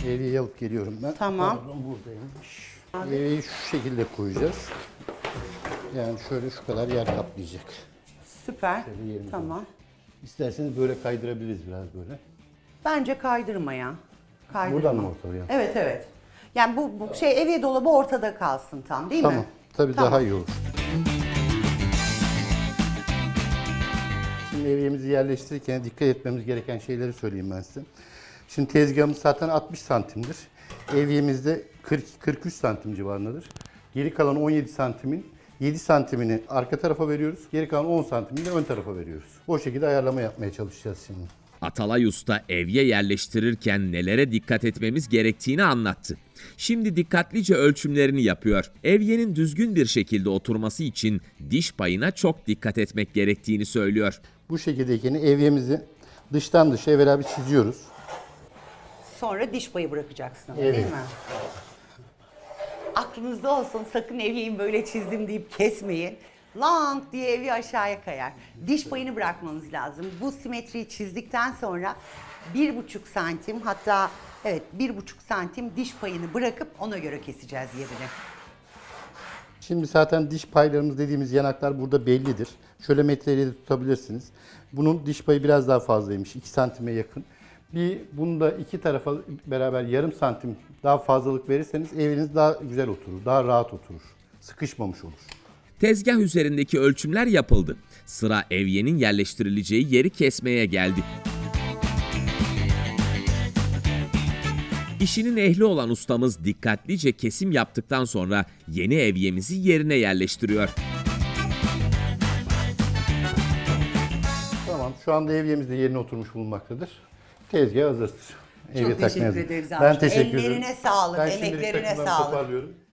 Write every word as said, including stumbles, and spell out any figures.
Evyeyi alıp geliyorum ben. Tamam. Pardon, buradaymış. Evyeyi şu şekilde koyacağız. Yani şöyle şu kadar yer kaplayacak. Süper. Şöyle yerimiz Tamam. var. İsterseniz böyle kaydırabiliriz biraz böyle. Bence kaydırma ya. Kaydırma. Buradan mı ortaya? Evet evet. Yani bu, bu şey evye dolabı ortada kalsın tam değil Tamam. mi? Tabii Tamam. daha iyi olur. Şimdi evyemizi yerleştirirken dikkat etmemiz gereken şeyleri söyleyeyim ben size. Şimdi tezgahımız zaten altmış santimdir. Evyemiz de kırk kırk üç santim civarındadır. Geri kalan on yedi santimin yedi santimini arka tarafa veriyoruz. Geri kalan on santimini de ön tarafa veriyoruz. O şekilde ayarlama yapmaya çalışacağız şimdi. Atalay Usta evye yerleştirirken nelere dikkat etmemiz gerektiğini anlattı. Şimdi dikkatlice ölçümlerini yapıyor. Evyenin düzgün bir şekilde oturması için diş payına çok dikkat etmek gerektiğini söylüyor. Bu şekildeyken evyemizi dıştan dışa evvela bir çiziyoruz. Sonra diş payı bırakacaksın ama Evet. değil mi? Aklınızda olsun, sakın evyeyi böyle çizdim deyip kesmeyin. Lang diye evi aşağıya kayar. Diş payını bırakmanız lazım. Bu simetriyi çizdikten sonra bir buçuk santim, hatta evet bir buçuk santim diş payını bırakıp ona göre keseceğiz yerini. Şimdi zaten diş paylarımız dediğimiz yanaklar burada bellidir. Şöyle metreyle de tutabilirsiniz. Bunun diş payı biraz daha fazlaymış. iki santime yakın. Bir bunu da iki tarafa beraber yarım santim daha fazlalık verirseniz eviniz daha güzel oturur. Daha rahat oturur. Sıkışmamış olur. Tezgah üzerindeki ölçümler yapıldı. Sıra evyenin yerleştirileceği yeri kesmeye geldi. İşinin ehli olan ustamız dikkatlice kesim yaptıktan sonra yeni evyemizi yerine yerleştiriyor. Tamam. Şu anda evyemiz de yerine oturmuş bulunmaktadır. Tezgah hazırdır. Evye Çok takmaya teşekkür hazır. ederiz Ben abi. teşekkür ederim. Ellerine sağlık, Ben şimdilik emeklerine takımlarımı sağlık. toparlıyorum.